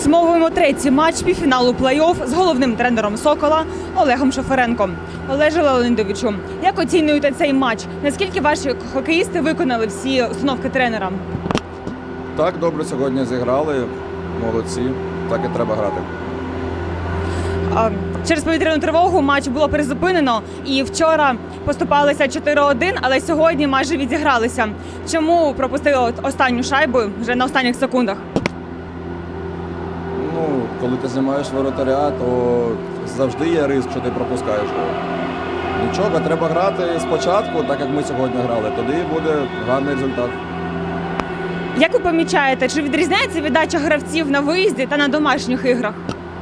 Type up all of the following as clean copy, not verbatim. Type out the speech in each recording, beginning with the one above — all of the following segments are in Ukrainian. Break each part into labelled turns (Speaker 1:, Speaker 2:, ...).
Speaker 1: Підсумовуємо третій матч півфіналу плей-офф з головним тренером «Сокола» Олегом Шоференком. Олеже Леонідовичу, як оцінюєте цей матч? Наскільки ваші хокеїсти виконали всі установки тренера?
Speaker 2: Так, добре сьогодні зіграли, молодці, так і треба грати.
Speaker 1: Через повітряну тривогу матч було призупинено і вчора поступалися 4-1, але сьогодні майже відігралися. Чому пропустили останню шайбу вже на останніх секундах?
Speaker 2: Коли ти знімаєш воротаря, то завжди є ризик, що ти пропускаєш. Нічого, треба грати спочатку, так як ми сьогодні грали, тоді буде гарний результат.
Speaker 1: Як ви помічаєте, чи відрізняється віддача гравців на виїзді та на домашніх іграх?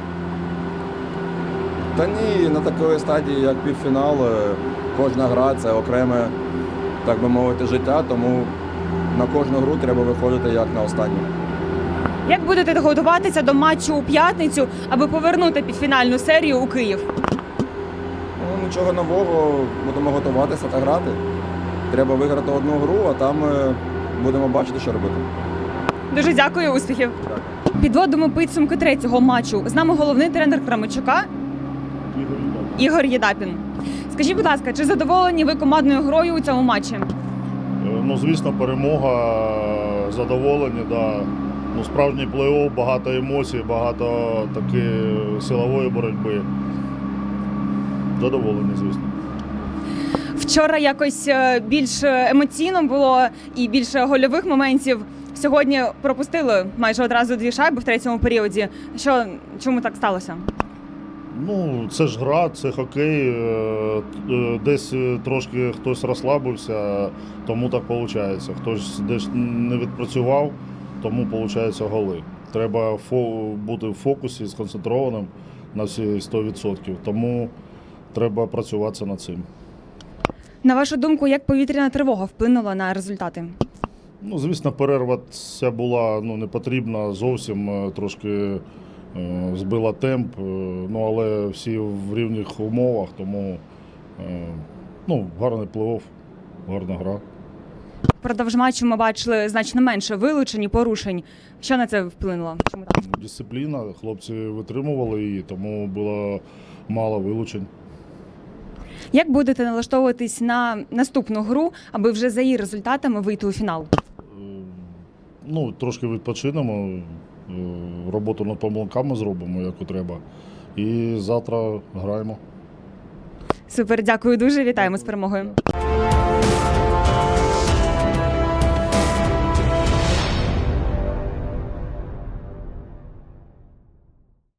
Speaker 2: Та ні, на такої стадії, як півфінал, кожна гра – це окреме, так би мовити, життя, тому на кожну гру треба виходити як на останню.
Speaker 1: Як будете готуватися до матчу у п'ятницю, аби повернути півфінальну серію у Київ?
Speaker 2: Нічого нового, будемо готуватися та грати. Треба виграти одну гру, а там будемо бачити, що робити.
Speaker 1: Дуже дякую, успіхів. Підводимо підсумки третього матчу. З нами головний тренер Кременчука Ігор Єдапін. Скажіть, будь ласка, чи задоволені ви командною грою у цьому матчі?
Speaker 3: Звісно, перемога, задоволені, да. Справжній плей-офф, багато емоцій, багато таки силової боротьби. Задоволені, звісно.
Speaker 1: Вчора якось більш емоційно було і більше гольових моментів. Сьогодні пропустили майже одразу 2 шайби в третьому періоді. Чому так сталося?
Speaker 3: Це ж гра, це хокей. Десь трошки хтось розслабився, тому так виходить. Хтось десь не відпрацював, тому виходить голи. Треба бути в фокусі, сконцентрованим на всі 100%. Тому треба працювати над цим.
Speaker 1: На вашу думку, як повітряна тривога вплинула на результати?
Speaker 3: Звісно, перерва ця була не потрібна, зовсім трошки збила темп, але всі в рівних умовах, тому гарний плей-офф, гарна гра.
Speaker 1: Впродовж матчу ми бачили значно менше вилучень і порушень. Що на це вплинуло? Чому так?
Speaker 3: Дисципліна, хлопці витримували її, тому було мало вилучень.
Speaker 1: Як будете налаштовуватись на наступну гру, аби вже за її результатами вийти у фінал?
Speaker 3: Трошки відпочинемо, роботу над помилками зробимо, як треба. І завтра граємо.
Speaker 1: Супер, дякую дуже, вітаємо з перемогою.